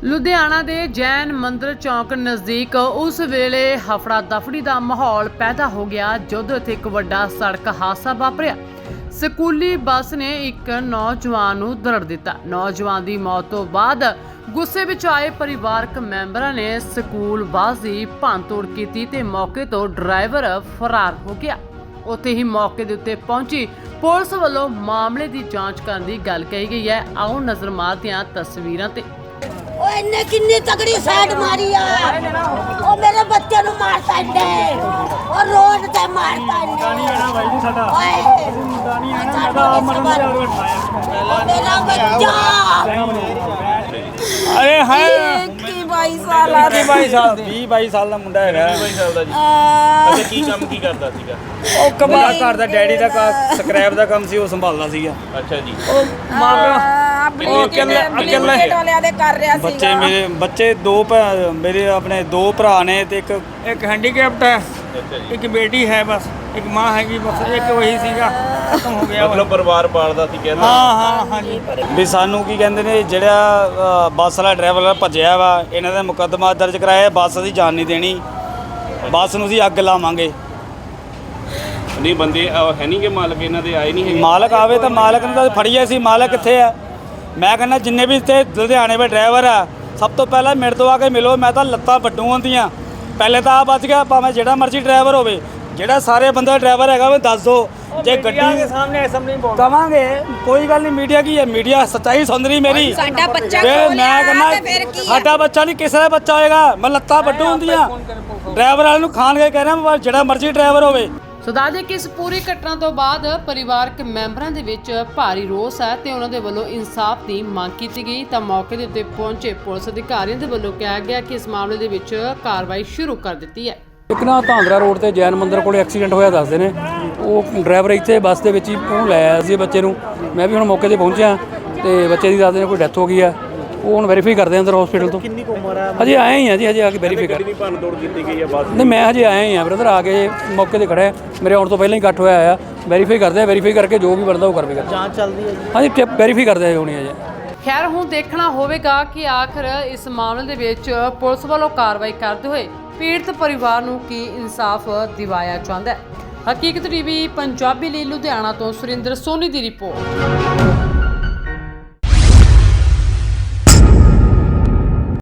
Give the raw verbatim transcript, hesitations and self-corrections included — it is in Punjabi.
ਲੁਧਿਆਣਾ ਦੇ ਜੈਨ ਮੰਦਰ ਚੌਂਕ ਨਜ਼ਦੀਕ ਉਸ ਵੇਲੇ ਹਫੜਾ ਦਫੜੀ ਦਾ ਮਾਹੌਲ ਪੈਦਾ ਹੋ ਗਿਆ ਜਦੋਂ ਇੱਥੇ ਇੱਕ ਵੱਡਾ ਸੜਕ ਹਾਦਸਾ ਵਾਪਰਿਆ। ਸਕੂਲੀ ਬੱਸ ਨੇ ਇੱਕ ਨੌਜਵਾਨ ਨੂੰ ਦਰੜ ਦਿੱਤਾ। ਨੌਜਵਾਨ ਦੀ ਮੌਤ ਤੋਂ ਬਾਅਦ ਗੁੱਸੇ ਵਿੱਚ ਆਏ ਪਰਿਵਾਰਕ ਮੈਂਬਰਾਂ ਨੇ ਸਕੂਲ ਬੱਸ ਦੀ ਭੰਨਤੋੜ ਕੀਤੀ ਤੇ ਮੌਕੇ ਤੋਂ ਡਰਾਈਵਰ ਫਰਾਰ ਹੋ ਗਿਆ। ਉੱਥੇ ਹੀ ਮੌਕੇ ਦੇ ਉੱਤੇ ਪਹੁੰਚੀ ਪੁਲਿਸ ਵੱਲੋਂ ਮਾਮਲੇ ਦੀ ਜਾਂਚ ਕਰਨ ਦੀ ਗੱਲ ਕਹੀ ਗਈ ਹੈ। ਆਓ ਨਜ਼ਰ ਮਾਰਦੇ ਹਾਂ ਤਸਵੀਰਾਂ ਤੇ। ओए इन्ने किन्नी तगड़ी साइड मारी है ओ मेरे बच्चे नु मारता इन्ने और रोड ते मारता इन्ने गानी है ना भाई जी साडा ओए गानी है ना साडा मरन दे उठाया मेरा बच्चा अरे हाय इक्कीस बाईस साल आ ਵੀਹ ਬਾਈ ਸਾਲ ਵੀਹ ਬਾਈ ਸਾਲ ਦਾ ਮੁੰਡਾ ਹੈਗਾ ਵੀਹ ਬਾਈ ਸਾਲ ਦਾ ਜੀ। ਅੱਛਾ, ਕੀ ਕੰਮ ਕੀ ਕਰਦਾ ਸੀਗਾ? ਉਹ ਕਮਾ ਘਰ ਦਾ ਡੈਡੀ ਦਾ ਸਕ੍ਰੈਪ ਦਾ ਕੰਮ ਸੀ, ਉਹ ਸੰਭਾਲਦਾ ਸੀਗਾ। ਅੱਛਾ ਜੀ। ਉਹ ਮਾਂ अपने ਉਹ ਇਕੱਲੇ ਇਕੱਲੇ वाले दे कर रहा ਬੱਚੇ ਮੇਰੇ ਬੱਚੇ ਦੋ ਭੈ- ਮੇਰੇ ਆਪਣੇ ਦੋ ਭਰਾ ਨੇ ਤੇ ਇੱਕ ਇੱਕ ਹੈਂਡੀਕੈਪਟ ਹੈ, ਅੱਛਾ ਜੀ। ਇੱਕ ਬੇਟੀ ਹੈ, ਬਸ ਇੱਕ ਮਾਂ ਹੈਗੀ, ਬਸ ਇੱਕ ਵਹੀ ਸੀਗਾ, ਖਤਮ ਹੋ ਗਿਆ। ਮਤਲਬ ਪਰਿਵਾਰ ਪਾਲਦਾ ਸੀ ਕਹਿੰਦਾ। ਹਾਂ ਹਾਂ ਹਾਂਜੀ ਵੀ ਸਾਨੂੰ ਕੀ ਕਹਿੰਦੇ ਨੇ, ਜਿਹੜਾ ਅ, ਬੱਸ ਵਾਲਾ ਡਰਾਈਵਰ ਭੱਜਿਆ ਵਾ, ਇਹਨਾਂ ਦਾ ਮੁਕੱਦਮਾ ਦਰਜ ਕਰਾਇਆ। ਬੱਸ ਅਸੀਂ ਜਾਣ ਨਹੀਂ ਦੇਣੀ, ਬੱਸ ਨੂੰ ਅਸੀਂ ਅੱਗ ਲਾਵਾਂਗੇ। ਨਹੀਂ ਬੰਦੇ ਅਹ, ਹੈ ਨਹੀਂ ਕਿ ਮਾਲਕ ਇਹਨਾਂ ਦੇ ਆਏ ਨਹੀਂ ਹੈਗੇ? ਮਾਲਕ ਆਵੇ ਤਾਂ ਮਾਲਕ ਨੂੰ ਤਾਂ ਫੜੀਏ ਸੀ। ਮਾਲਕ ਕਿੱਥੇ ਆ? ਮੈਂ ਕਹਿੰਦਾ ਜਿੰਨੇ ਵੀ ਇੱਥੇ ਲੁਧਿਆਣੇ ਦੇ ਡਰਾਈਵਰ ਆ, ਸਭ ਤੋਂ ਪਹਿਲਾਂ ਮੇਰੇ ਤੋਂ ਆ ਕੇ ਮਿਲੋ। ਮੈਂ ਤਾਂ ਲੱਤਾਂ ਵੱਡੂ ਹੁੰਦੀਆਂ। ਪਹਿਲੇ ਤਾਂ ਆ ਬਚ ਗਿਆ, ਭਾਵੇਂ ਜਿਹੜਾ ਮਰਜ਼ੀ ਡਰਾਈਵਰ ਹੋਵੇ, ਜਿਹੜਾ ਸਾਰੇ ਬੰਦਾ ਡਰਾਈਵਰ ਹੈਗਾ ਉਹ ਦੱਸ ਦੋ। ਜੇ ਗੱਡੀ ਦੇ ਸਾਹਮਣੇ ਐਸਾ ਨਹੀਂ ਬੋਲ ਕਵਾਂਗੇ, ਕੋਈ ਗੱਲ ਨਹੀਂ। ਮੀਡੀਆ ਕੀ ਹੈ? ਮੀਡੀਆ ਸੱਚਾਈ ਸੁਣ ਰਹੀ ਮੇਰੀ। ਸਾਡਾ ਬੱਚਾ ਫਿਰ ਖੋਲਿਆ ਮੈਂ ਤੇ ਫਿਰ ਕਹਿੰਦਾ ਕੀ ਆ? ਸਾਡਾ ਬੱਚਾ ਨਹੀਂ, ਕਿਸੇ ਦਾ ਬੱਚਾ ਹੋਏਗਾ। ਮੈਂ ਲੱਤਾਂ ਵੱਡੂ ਹੁੰਦੀਆਂ। ਡਰਾਈਵਰ ਵਾਲੇ ਨੂੰ ਖਾਣ ਕੇ ਕਹਿ ਰਿਹਾ, ਜਿਹੜਾ ਮਰਜ਼ੀ ਡਰਾਈਵਰ ਹੋਵੇ। ਸੋ ਦੱਸ ਦੇਈਏ ਕਿ ਇਸ ਪੂਰੀ ਘਟਨਾ ਤੋਂ ਬਾਅਦ ਪਰਿਵਾਰਕ ਮੈਂਬਰਾਂ ਦੇ ਵਿੱਚ ਭਾਰੀ ਰੋਸ ਹੈ ਤੇ ਉਹਨਾਂ ਦੇ ਵੱਲੋਂ ਇਨਸਾਫ ਦੀ ਮੰਗ ਕੀਤੀ ਗਈ। ਤਾਂ ਮੌਕੇ ਦੇ ਉੱਤੇ ਪਹੁੰਚੇ ਪੁਲਿਸ ਅਧਿਕਾਰੀਆਂ ਦੇ ਵੱਲੋਂ ਕਿਹਾ ਗਿਆ ਕਿ ਇਸ ਮਾਮਲੇ ਦੇ ਵਿੱਚ ਕਾਰਵਾਈ ਸ਼ੁਰੂ ਕਰ ਦਿੱਤੀ ਹੈ। ਇੱਕ ਨਾ ਧਾਂਦਰਾ ਰੋਡ ਤੇ ਜੈਨ ਮੰਦਰ ਕੋਲੇ ਐਕਸੀਡੈਂਟ ਹੋਇਆ ਦੱਸਦੇ ਨੇ। ਉਹ ਡਰਾਈਵਰ ਇੱਥੇ ਬੱਸ ਦੇ ਵਿੱਚ ਹੀ ਉਹਨੂੰ ਲੈ ਆਇਆ ਸੀ ਬੱਚੇ ਨੂੰ। ਮੈਂ ਵੀ ਹੁਣ ਮੌਕੇ ਤੇ ਪਹੁੰਚਿਆ ਤੇ ਬੱਚੇ ਦੀ ਦੱਸਦੇ ਨੇ ਕੋਈ ਡੈਥ ਹੋ ਗਈ ਆ। ਉਹ ਹੁਣ ਵੈਰੀਫਾਈ ਕਰਦੇ ਅੰਦਰ ਹਸਪੀਟਲ ਤੋਂ। ਕਿੰਨੀ ਕੁ ਉਮਰ ਆ? ਹਜੇ ਆਏ ਹੀ ਆ ਜੀ, ਹਜੇ ਆ ਕੇ ਵੈਰੀਫਾਈ ਕਰ। ਕਿੰਨੀ ਭੰਨ ਤੋੜ ਕੀਤੀ ਗਈ ਹੈ ਬੱਸ? ਨਹੀਂ ਮੈਂ ਹਜੇ ਆਇਆ ਹੀ ਆ ਬ੍ਰਦਰ, ਆ ਕੇ ਮੌਕੇ ਤੇ ਖੜਾ। ਮੇਰੇ ਆਉਣ ਤੋਂ ਪਹਿਲਾਂ ਹੀ ਇਕੱਠ ਹੋਇਆ ਆ। ਵੈਰੀਫਾਈ ਕਰਦੇ ਆ, ਵੈਰੀਫਾਈ ਕਰਕੇ ਜੋ ਵੀ ਬਣਦਾ ਉਹ ਕਰਵੇ ਕਰ। ਜਾਂਚ ਚੱਲਦੀ ਹੈ ਜੀ? ਹਾਂਜੀ ਵੈਰੀਫਾਈ ਕਰਦੇ ਆ ਹੋਣੀ ਹੈ ਜੀ। ਖੈਰ ਹੁਣ ਦੇਖਣਾ ਹੋਵੇਗਾ ਕਿ ਆਖਰ ਇਸ ਮਾਮਲੇ ਦੇ ਵਿੱਚ ਪੁਲਿਸ ਵੱਲੋਂ ਕਾਰਵਾਈ ਕਰਦੇ ਹੋਏ ਪੀੜਤ ਪਰਿਵਾਰ ਨੂੰ ਕੀ ਇਨਸਾਫ ਦਿਵਾਇਆ ਜਾਂਦਾ ਹੈ। ਹਕੀਕਤ ਟੀਵੀ ਪੰਜਾਬੀ ਲਈ ਲੁਧਿਆਣਾ ਤੋਂ ਸੁਰਿੰਦਰ ਸੋਨੀ ਦੀ ਰਿਪੋਰਟ।